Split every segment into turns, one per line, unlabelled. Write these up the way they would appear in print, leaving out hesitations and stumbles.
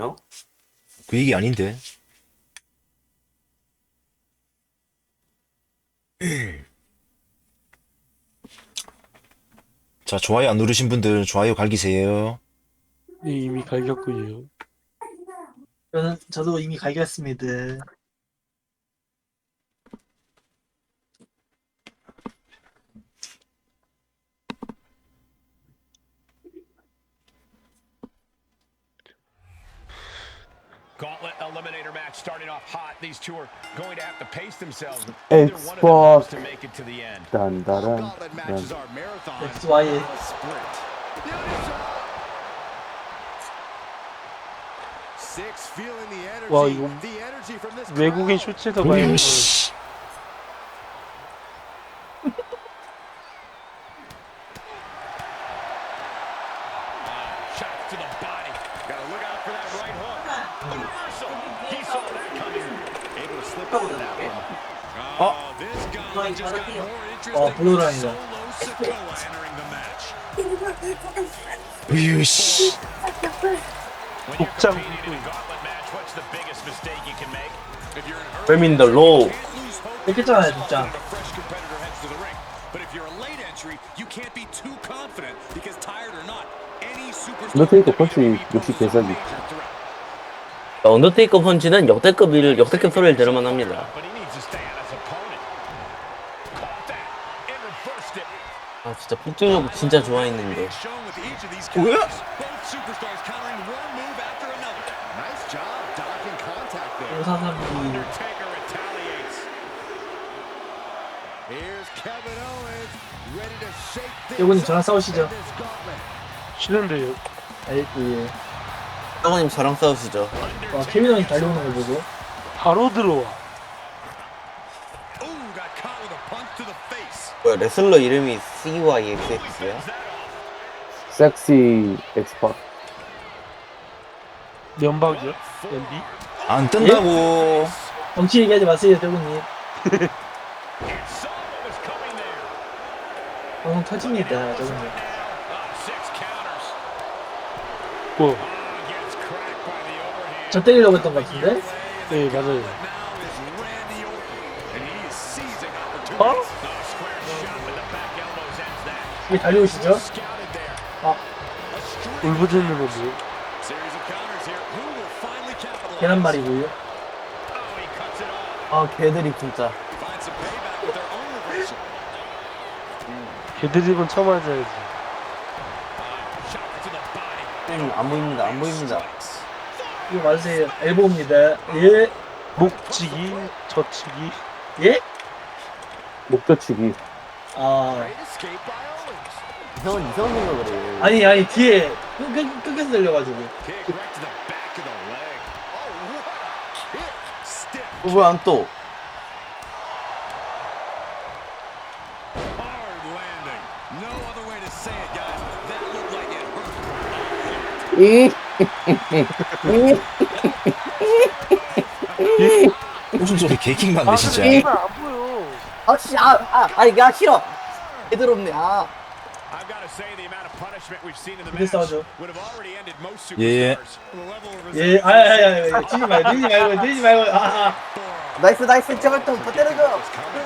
얘기하시나요?
그 얘기 아닌데. 자, 좋아요 안 누르신 분들 좋아요 갈기세요.
네, 이미 갈겼군요.
저도 이미 갈겼습니다.
Gauntlet eliminator match starting off hot. These two are going to have to pace themselves.
Export.
Either one of them wants to make it to the end.
딴따란.
Gauntlet matches are marathon.
XY.
Sprint. Six feeling the energy.
와, 이거
The energy from this
외국인
crowd.
쇼츠에서 많이 보는
씨.
Shots to the body. Got to look out for that right hook. The reversal. He saw that coming. Able to slip out of that one. Oh, this guy just got more interesting.
블루라인이다.
Solo Sikoa entering the match.
으유, 씨.
When you're
복장
competing in a gauntlet match, what's the biggest mistake you can make? If you're an early
Rem in the low.
can't lose hope
뺏겼잖아요, 진짜.
when a fresh competitor heads to the ring. But if you're a late entry, you can't be too confident because tired or not, any superstar
언더테이커
in
펀치
WWE
역시
poses a
개사기.
major threat.
언더테이커 펀치는 역대급 소리를 들을만 합니다.
But he needs to stay on his opponent. Caught that and reversed it.
아, 진짜 폭주력 진짜 좋아했는데.
It's shown with each of these
뭐야?
counters. Both superstars countering one move after another. Nice job dodging contact there.
543.
Undertaker retaliates. Here's Kevin Owens, ready to shake things
요거님 저랑
up
싸우시죠.
in this gauntlet.
싫은데요.
예.
사모님 저랑 싸우시죠.
케빈 형이 달려오는 거 보고.
바로 들어와.
Ooh, got caught with a punch to the face.
뭐야, 레슬러 이름이 CYXX야?
섹시 엑스파.
면박이요? 연비?
안 뜬다고.
정치 얘기하지 마세요, 저분님.
And saw what was coming there.
방송 터집니다, 저분님.
Six counters.
뭐?
Gets cracked by the overhand.
저 때리려고 했던 것 같은데?
네, 맞아요.
Now is Randy Orton, and he is seizing opportunities.
어?
Square shot with the back elbows ends that.
이게 달려오시죠?
Scouted there.
아,
A string
울부짖는 거 뭐?
series of counters here. Who will finally capitalize?
계란말이고요.
Oh, he cuts it off.
아, 걔들이 진짜.
Finds some payback with their own reversal.
걔드립은 쳐맞아야지.
Shot to the body.
안 보입니다, 안 보입니다.
이거 맞으세요. 엘보입니다. 예.
목치기, 젖치기.
예?
목젖치기.
아.
Great escape by Owens.
형은 이상한 생각을 해.
아니, 뒤에 끝에서 들려가지고.
Kick right to the back of the leg. Oh, what a kick. Stiff.
왜 안 또?
Hard landing. No other way to say it, guys. That looked like it hurt.
무슨 소리 개킹
아,
받네 진짜.
근데 안 보여.
야, 싫어. 걔들 없네, 아.
I've got to say the amount of punishment we've seen in the
이게
match
싸우죠.
would have already ended most
예.
superstars. The level of
예, 아야야야, 뛰지 말고. 아.
나이스, 제발 좀 더 때려줘. 때려주세요.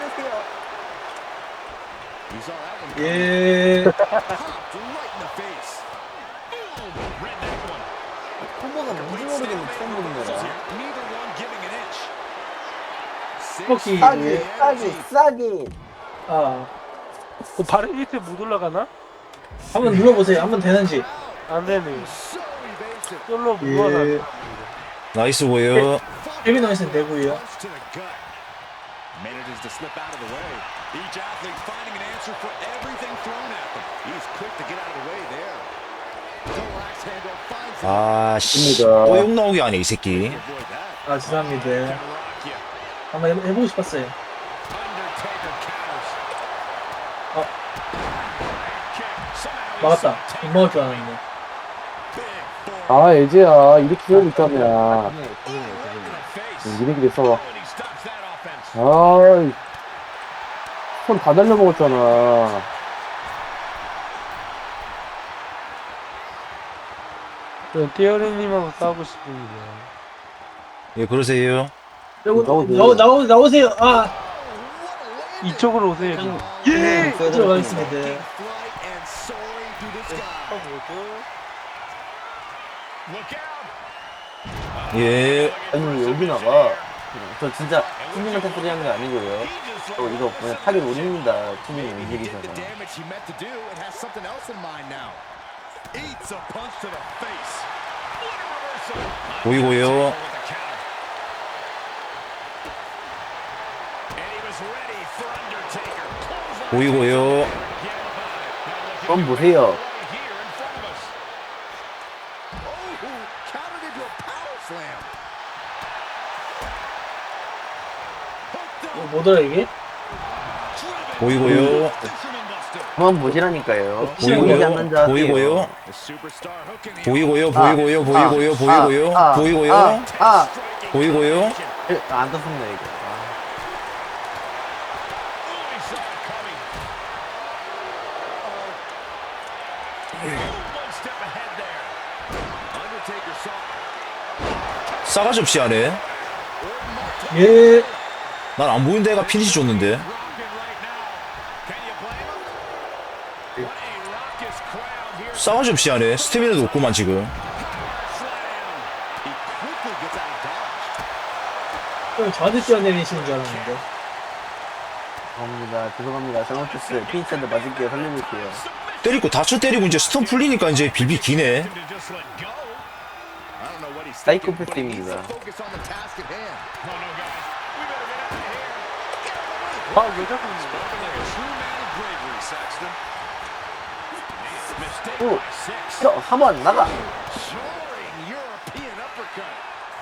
You saw that one
예.
popped right in the face. Boom! Read that one.
콤보가 뭔지 모르겠는 처음 보는 거라.
Neither one giving an inch.
스모키.
싸기.
아.
발이 밑에 못 올라가나?
한번 눌러보세요. 한번 되는지.
안 되네.
So evasive.
솔로 무화나.
예.
나이스 보여.
케빈 owens은 되고요.
Punch to the gut. Manages to slip out of the way. Each athlete finding an answer for everything thrown at them. He's quick to get out of the way there. Relax handle finds
아, 씨.
입니다.
또 욕 나오게 하네 이 새끼.
avoid that.
아, 죄송합니다.
Can rock you.
한번 해보고 싶었어요.
Undertaker counters.
어.
Kick. Somehow
막았다.
he's
못 막을 줄 알았는데.
big for
아, 애지야. 이렇게 하고 있다며.
right in the face.
니네끼리 싸워.
Oh, and he stops that offense.
아이. 손 다 날려먹었잖아.
저는 띠어리님하고 싸우고 싶습니다.
예, 그러세요.
나오세요. 아,
이쪽으로 오세요. 지금.
예!
들어가겠습니다.
Flight and soaring through the sky.
예.
아니 여기 나가. 저 진짜 팀님한테 소리 하는 게 아니고요. 이거 그냥 타겟 올립니다. 팀님
Maybe he
움직이셔서.
did the damage he meant to do and has something else in mind now. Eats a punch to the face. What a reversal.
보이고요.
With the counter. And he was ready for Undertaker. Clothesline.
보이고요.
그럼 보세요.
Right here in front of us. Oh, countered into a power slam. Hooked up.
뭐더라 이게?
보이고요.
Fisherman buster.
그만 보시라니까요. 보이지 않는
보이고요.
자.
보이고요.
The superstar hooking the
보이고요.
아,
보이고요. 보이고요. 보이고요.
아,
보이고요.
아,
보이고요.
안 떴습니다 이거.
Oh, he saw it coming. One step ahead there. Undertaker saw
싸가지 없이 하네.
예.
난 안 보이는 데가 피니시 줬는데.
rocking right now. Can you blame him? What a raucous crowd here.
싸가지 없이 하네. 스태미나도 없구만 지금.
Slam. He quickly gets out of dodge.
형 저한테 뛰어내리시는 줄 알았는데.
죄송합니다. 잘못했어요. 피니치한테 맞을게요. 살려줄게요.
때리고 다쳐 때리고 이제 스톤 풀리니까 이제 빌비 기네.
To just let go. I don't know what he's
사이코패스입니다.
focus on the task at hand.
Oh no, guys. We better get out of here.
아, 왜 자꾸 이러냐.
Like a true man of bravery, Saxton. Mistake
Ooh.
by 6.
저, 3번 나가.
Soaring European uppercut.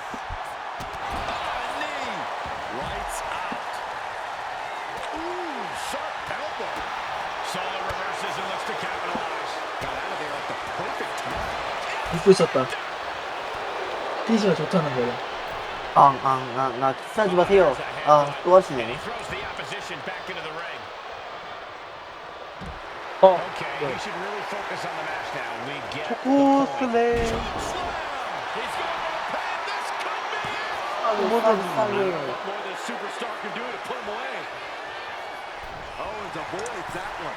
Knee. Lights out. Ooh, sharp elbow.
Solo reverses and looks to capitalize.
Got out of there at the perfect time.
믿고 있었다. 피니시가 좋다는 거야.
나 키스하지 마세요. 또
And
하시네.
he throws the opposition back into the ring.
어,
Okay, he should really focus on the match now. We get the
초코
point.
슬램.
He's going for the pin. This could be it.
What more the superstar can do to put him away. Oh, and avoids that one.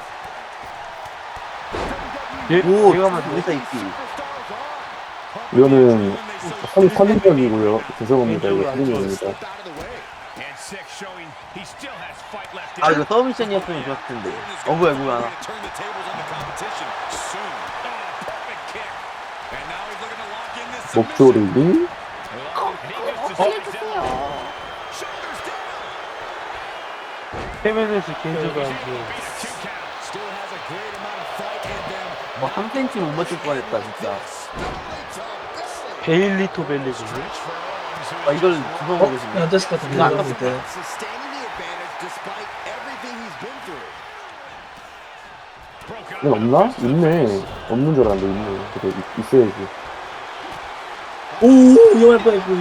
예,
오,
제가 만든
여기서 있기.
Superstars on.
이거는 선입견이고요. 죄송합니다. 이거 선입견입니다.
Slipped out of the way.
And 6 showing he still has fight left in
아,
him.
이거 서브미션이었으면 좋았을 텐데. 뭐야.
Turn the tables on the competition soon. Oh, perfect kick. And now he's looking to lock in this
목조리
submission.
링?
Shoulders down.
헤메네스 개인적으로 안 좋아.
Beat a 2 count.
Still has a great amount of fight in them.
3cm 못 맞출 뻔했다, 진짜.
베일리토 벨리거든요.
이걸 주워보고 싶네.
안 됐을 것 같은데.
이거 안
내가 볼 때.
Sustaining the advantage despite everything he's been through.
이건 없나? 있네. 없는 줄 알았는데 있네. 그래, 있어야지.
오, 위험할 뻔했고.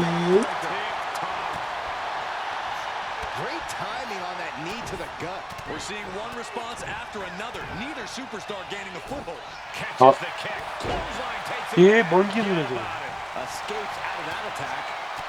Great timing on that knee to the gut.
We're seeing one response after another. Neither superstar gaining a foothold. Catches
Oh.
the kick. Clothesline takes it.
예, 먼 기술이죠.
Escapes out of that attack.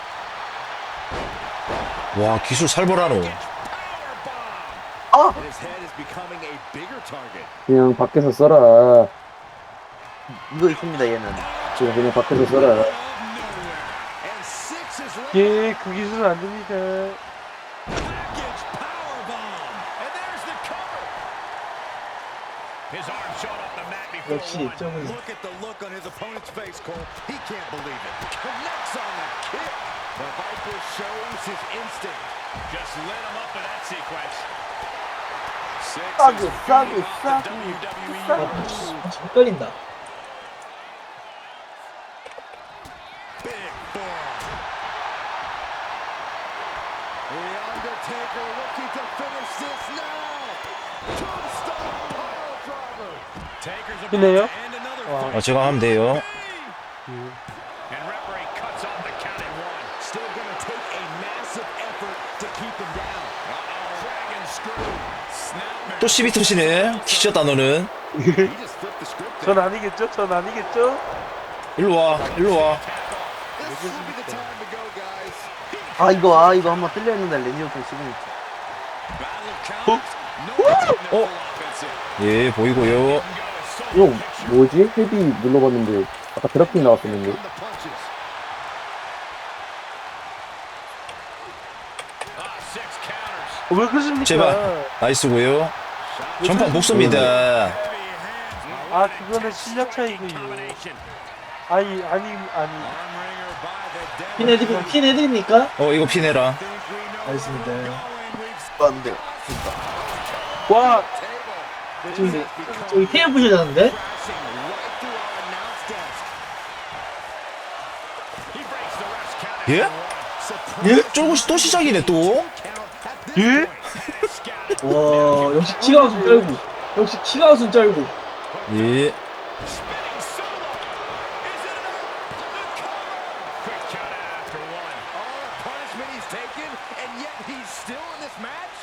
와 기술 살벌하노.
Powerbomb.
And his head is becoming a bigger target.
그냥 밖에서 써라.
이거 있습니다, 얘는.
그냥 밖에서 써라.
Out of nowhere. And 6 is right.
예, 그 기술은 안 됩니다.
Package powerbomb. And there's the cover. His arm shot off the mat before
역시
one.
점은
Look at the look on his opponent's face, Cole. He can't believe it. Connects on the kick. The Viper shows his instinct.
Just lit him up with that sequence. 6
싸게,
is
싸게,
beating up the
싸게,
WWE
싸게.
Universe.
헷갈린다.
Big bomb. The Undertaker looking to finish this now. Tombstone pile driver.
Taker's about
이네요?
to end another
와.
fight.
제가 하면 돼요.
And referee cuts off the count at 1.
Still going to take a massive effort to keep him down.
Dragon screw. Snap
또 시비 터시네. 키쳤다 너는.
He just flipped the script
전
there.
아니겠죠? 전 아니겠죠?
일로 와.
This will be the time to go, guys.
이거 한번 뚫려 있는데 랜디 오튼 지금
Battle of counters. No one's
어?
offensive.
예, 보이고요.
형 뭐지? 헤비 눌러봤는데 아까 드랍킹 나왔었는데.
On the punches.
Six counters.
왜 그러십니까?
제발. 나이스고요. 전판 목숨입니다.
아 그거는 실력 차이고요.
Combination.
아니
Armringer by the devil.
핀 해드립니까?
이거 피내라.
알겠습니다.
안 돼요.
와
저기 테이블 부셔졌는데?
Crashing right through our announce desk.
He breaks the ref's count.
예? 쫄고 또 시작이네 또.
예?
와 역시 키가 웃음 쩔고 역시 키가 웃음 쩔고
예.
Quick count out after one.
All the punishment he's taken, and yet he's still in this match.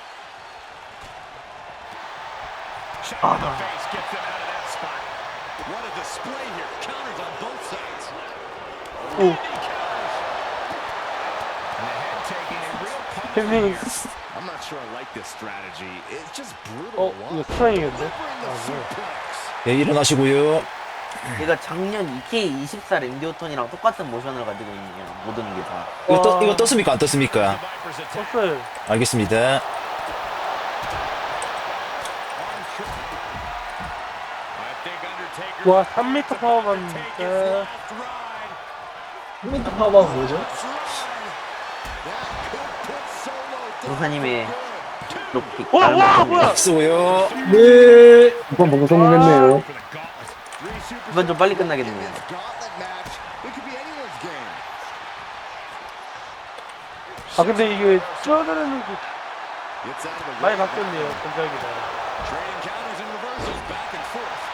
Shot in the face gets him out of that spot.
What a display here. Counters on both sides.
오.
And the head taking a real punch.
형님
I'm not sure I like this strategy. It's just brutal to
이거
watch.
스파잉인데?
Delivering the suplex.
예, 일어나시고요.
얘가 작년 EK24 랜디 오턴이랑 똑같은 모션을 가지고 있네요. 모든 게 다.
이거 떴습니까? 안 떴습니까?
Viper's attack.
떴어요.
알겠습니다.
Arm trick. I think Undertaker.
와 3m 파워
Take his
받는다.
last ride.
홈미터 파워가 뭐죠?
조사님의 롭킥.
와 뭐야?
쓰고요.
네
이번 방송 성공했네요.
For the gauntlet.
이번 좀 빨리 끝나겠네요.
Gauntlet match. It could be anyone's game.
아 근데 이게 쪄들는 게
Gets out of the
많이
way.
바뀌었네요. 전작이다.
Trading counters and reversals back and forth.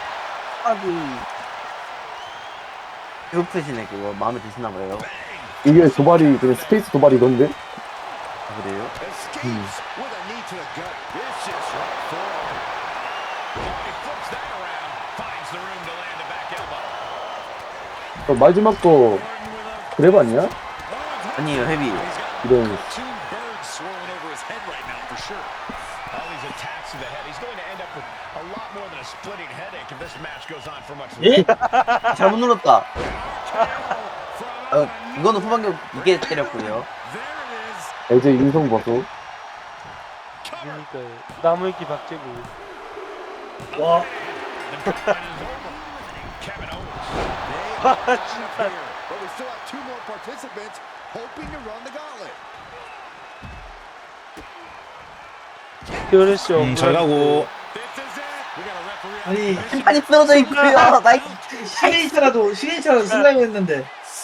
계속 쓰시네 그거. 마음에 드시나 봐요.
이게 도발이 그냥 스페이스 도발이던데?
아, 그래요?
Escapes with a knee to the gut. Vicious right forward.
He flips that around. Finds the room to land a back elbow.
마지막 거 그랩 아니야?
아니에요 헤비.
이런
Two birds swirling over his head right now for sure.
All these attacks to the head. He's going to end up with a lot more than a splitting headache if this match goes on for much
예?
longer.
잘못 눌렀다. 이거는 후반격 이게 때렸고요.
There it is.
LG 인성 보소.
그러니까 나무위키 박제고.
와
Kevin Owens.
아 진짜.
Here. But we still have two more participants hoping to run the gauntlet.
그렇죠.
잘 가고.
This is it. We got a referee.
아니
심판이 쓰러져 있고요. 나이
시그니처라도 쓰려고 했는데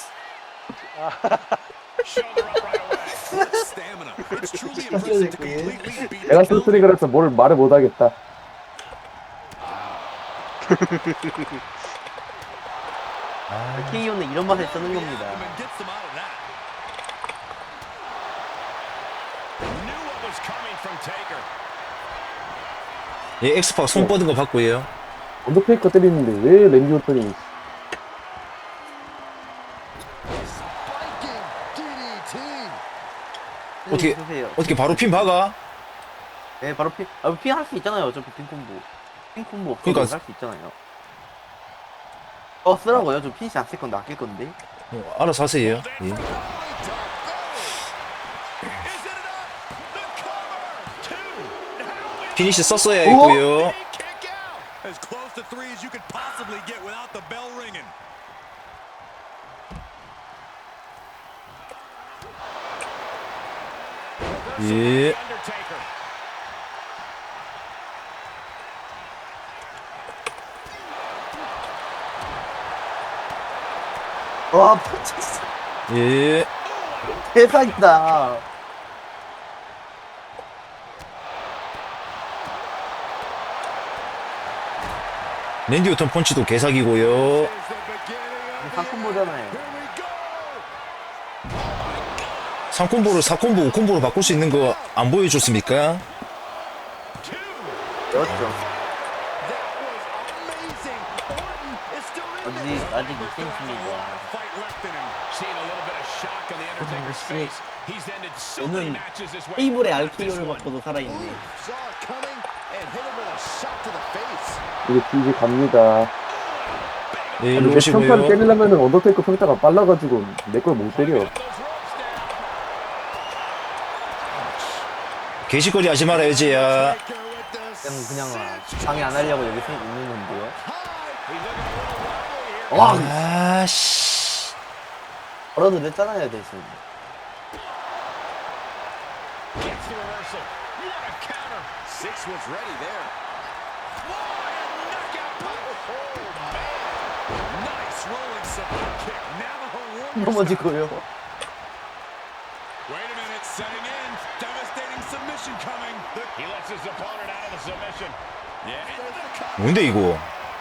Shoulder up right away.
Stamina. It's truly
진짜
impressive to
쓰러져 있고 얘.
completely beat
내가 쓴소리 그래서 뭘 말을 못하겠다.
KO는 이런 맛에 쓰는 겁니다.
and gets them out of that.
Knew what was coming from Taker.
예, 엑스팍 손 뻗은 거 봤고요.
언더테이커 때리는데 왜 랜디 오턴이
Spiking DDT.
어떻게-
쓰세요.
어떻게 바로 핀 박아?
네 바로 핀 할 수 있잖아요. 어차피 핀 콤보. 핀 콤보 없어도
그러니까-
할 수 있잖아요. 쓰라고요. 저 핀시 안 쓸 건데 아낄 건데.
알아서 하세요. 예.
Is it enough? The cover. Two.
피니시 썼어야 했고요.
Kick out. As close to three as you could possibly get without the bell ringing.
예.
Undertaker.
와 진짜
예.
대박이다.
랜디 오턴 펀치도 개사기고요.
Is the beginning of
상콤보잖아요.
Here we go.
3콤보를 4콤보, 5콤보로 바꿀 수 있는 거 안 보여줬습니까?
그렇죠.
That was amazing. Orton is still in
어디
this.
아직 2cm입니다.
Fight left in him. Seeing a little bit of shock on the Undertaker's face. He's ended so many
오늘
matches this way.
테이블에 RKO를 받고도 살아있네.
Saw it coming and hit him with a shot to the face.
이제 뒤지 갑니다.
네,
내
일로
평타를
오시고요.
때리려면은 언더테이커 평타가 빨라가지고 내 걸 못 때려.
게시거리 하지 말아야지, 야.
그냥 방해 안 하려고 여기 있는 건데요.
아, 씨.
걸어도 냈잖아요, 대신.
Gets the reversal. What a counter.
Six was ready there.
Knockout punch. Oh, man.
Nice rolling support kick. Navajo Warriors.
넘어지고요.
Wait a minute. Setting in. Devastating submission coming. He lets his opponent out of the submission. Yeah.
뭔데, 이거?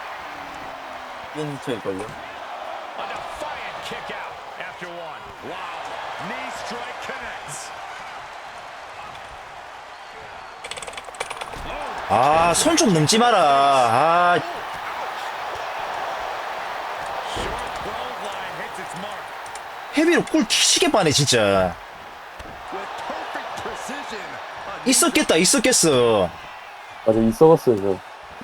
이건 저일걸요.
A defiant kick out after one. Wow. Knee strike connects.
아, 손 좀 넘지 마라. 아,
Short clothesline hits its mark.
헤비로 꿀 튀시게 빠네, 진짜.
With perfect precision.
있었겠다, 있었겠어.
맞아, 있어봤어요, 저.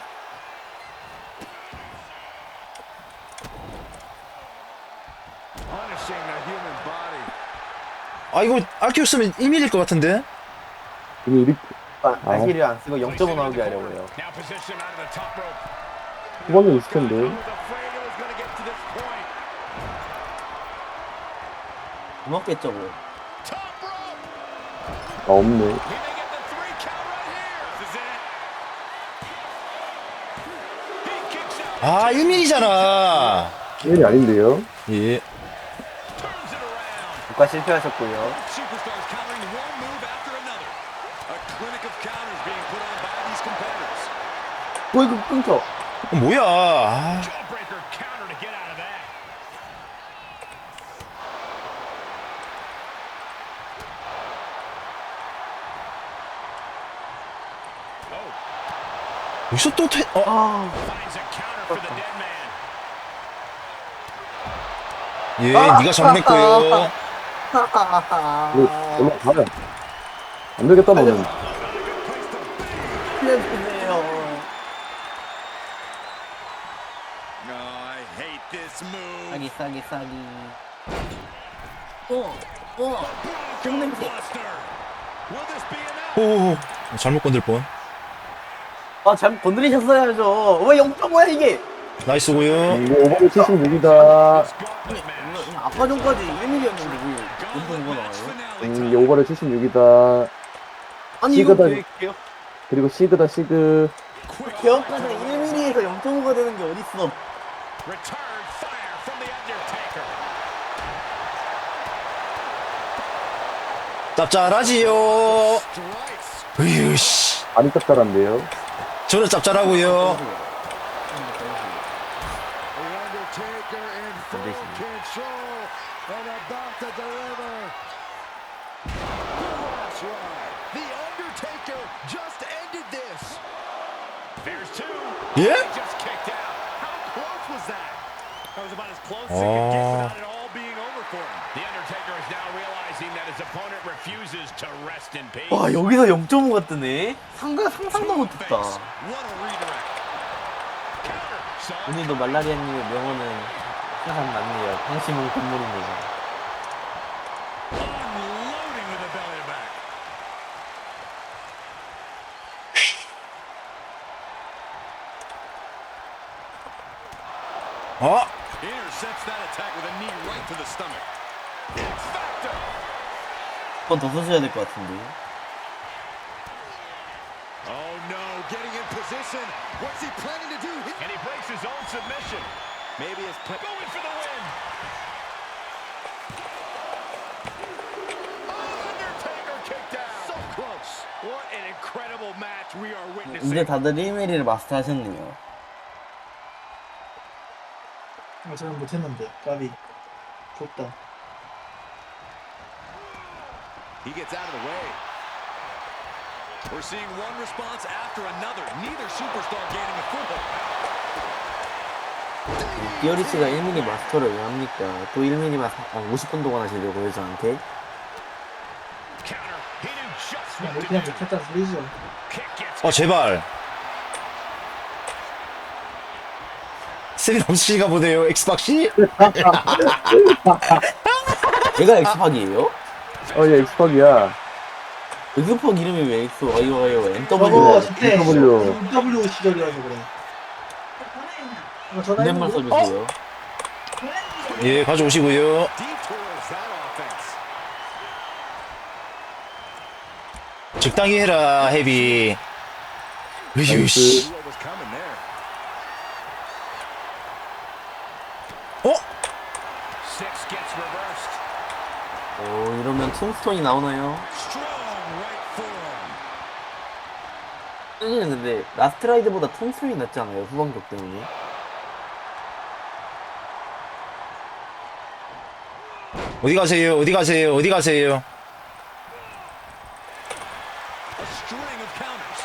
Punishing the human body.
아, 이거 RKO 쓰면 1mm일 것 같은데?
이미 이리,
발키리 안 쓰고 0.5 나오게 하려고요.
Now position out of the top rope.
후방에 있을 텐데.
I was afraid it was going to get to this point.
고맙겠죠, 뭐.
Top rope.
아, 없네.
He may get the 3 count right here. This is it. He kicks out.
아, 1mm잖아.
1이 아닌데요?
예.
Turns it around.
국가 실패하셨고요.
Superstars countering one move after another. A clinic of counters being put on by these competitors.
이거 끊겨.
뭐야. 아,
Jawbreaker counter to get out of that. Oh,
여기서 또
finds a counter for the dead man.
예, 네가 정리했고요.
이거 올라가요. 안 되겠다, 너는.
살려주세요.
No, I hate this move.
싸기. 똥냄새.
Will this be enough?
오, 잘못 건들 뻔.
아, 잘못 건드리셨어야죠. 왜 0.5야, 이게?
나이스고요.
이거 오버를 76이다.
Gauntlet match.
아까 전까지 1mm였는데 왜 0.5가 나와요?
이게 오버를 76이다.
아니, 이거
시그다.
왜
그리고 시그다, 시그.
개혁가서 1mm에서 0.5가 되는 게 어딨어.
Return fire from the Undertaker.
짭짤하지요.
Strikes.
으유, 씨.
많이 짭짤한데요.
저는 짭짤하고요.
The Undertaker in full control and about to deliver. That's right. The Undertaker just ended this.
There's 2.
예?
He just kicked out. How close was that? That was about as close as it could get without it all being over for him. The Undertaker is now realizing that his opponent refuses to rest in peace.
와, 여기서 0.5가 뜨네? 상상도 못했다.
What a redirect. Counter. So
오늘도 말라리아님의 명언은 항상 맞네요. 당신은 건물입니다.
unloading with a belly to back.
어?
Intercepts that attack with a knee right to the stomach. X Factor.
한 번 더 써줘야 될 것 같은데.
Oh no, getting in position. What's he planning to do?
And he breaks his own submission.
Maybe his plan.
Going for the win. Undertaker kicked out.
So close.
What an incredible match we are
이제
witnessing.
다들 1mm를 마스터하셨네요.
저는 못했는데 까비 좋다.
He gets out of the way. We're seeing one response after another. Neither superstar gaining a foothold.
디어리스가 1mm 마스터를 왜 합니까? 또 1mm만 50분 동안 하시려고요, 저한테?
Counter. He knew just
그냥
what to
그냥
do.
못했다는 소리죠.
Kick gets
제발. 스릴 없으신가 보네요, 엑스박씨?
얘가 엑스팍이에요?
얘 엑스팍이야.
엑스팍 이름이 왜 엑스, MW.
저거 저때
W.
W 시절이라서 그래.
존댓말 써주세요.
예, 가져오시고요.
Detours that offense.
적당히 해라, 헤비. 으휴, 씨.
What was coming there?
Six gets reversed.
이러면 툼스톤이 나오나요?
Strong right forearm.
여기는 근데 라스트라이드보다 툼스톤이 낫지 않아요? 후반격 때문에.
어디 가세요, 어디 가세요, 어디 가세요?
A string of counters.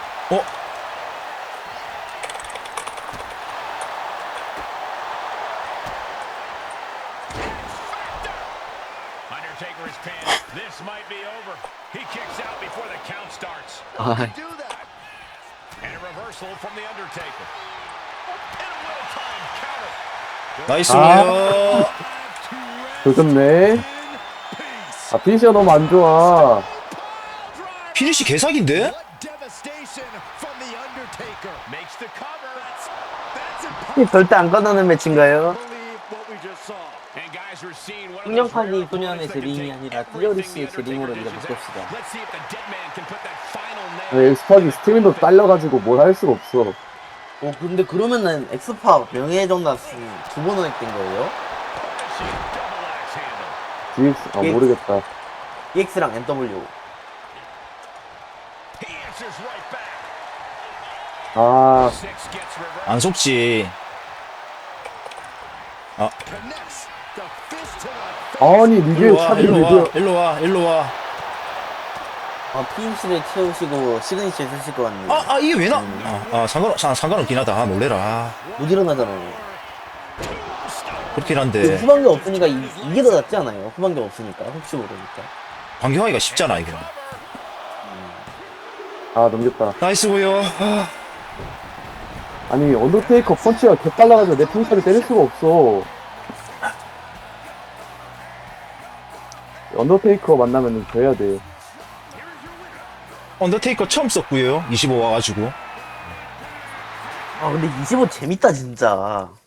Undertaker is pinned. This might be over. He kicks out before the count starts.
Do that.
And a reversal from the Undertaker. And a well-timed counter.
나이스고요.
조졌네. 아, 피니시가 너무 안 좋아.
피니시 개사기인데?
What devastation from the Undertaker.
Makes the cover.
That's impossible
절대 안 꺼내는 매치인가요?
to believe what we just saw.
And guys, we're seeing one of those
풍경파기
rare
소년의
opponents that can
제링이
take
아니라
everything
띠어리스의
the
제링으로
Undertaker
이제
dishes
바꿉시다.
out. Let's see if the dead man can put that final nail.
엑스팍이 스태미너 딸려가지고 뭘 할 수가 없어.
근데 그러면은 엑스팍 명예회전단 2번 획된 거예요?
Double axe handle.
GX, 모르겠다.
EX랑 MW.
He answers right back.
아,
Six gets reversed.
안 속지.
Connects the fist to the face.
아니, 리뷰
일로 와,
차비
일로 와,
리뷰.
일로 와, 일로 와.
피니시를 채우시고 시그니처 쓰실 것 같네요.
이게 왜 나? 상관없긴 하다. 상관없긴 하다.
못 일어나잖아요.
그렇긴
근데
한데.
후반격 없으니까 이게 더 낫지 않아요? 후반격 없으니까 혹시 모르니까.
반격하기가 쉽잖아, 이거.
아, 넘겼다.
나이스고요.
아니, 언더테이커 펀치가 개빨라가지고 내 평타를 때릴 수가 없어. 언더테이커 만나면 져야 돼.
언더테이커 처음 썼고요. 25 와가지고.
근데 25 재밌다 진짜.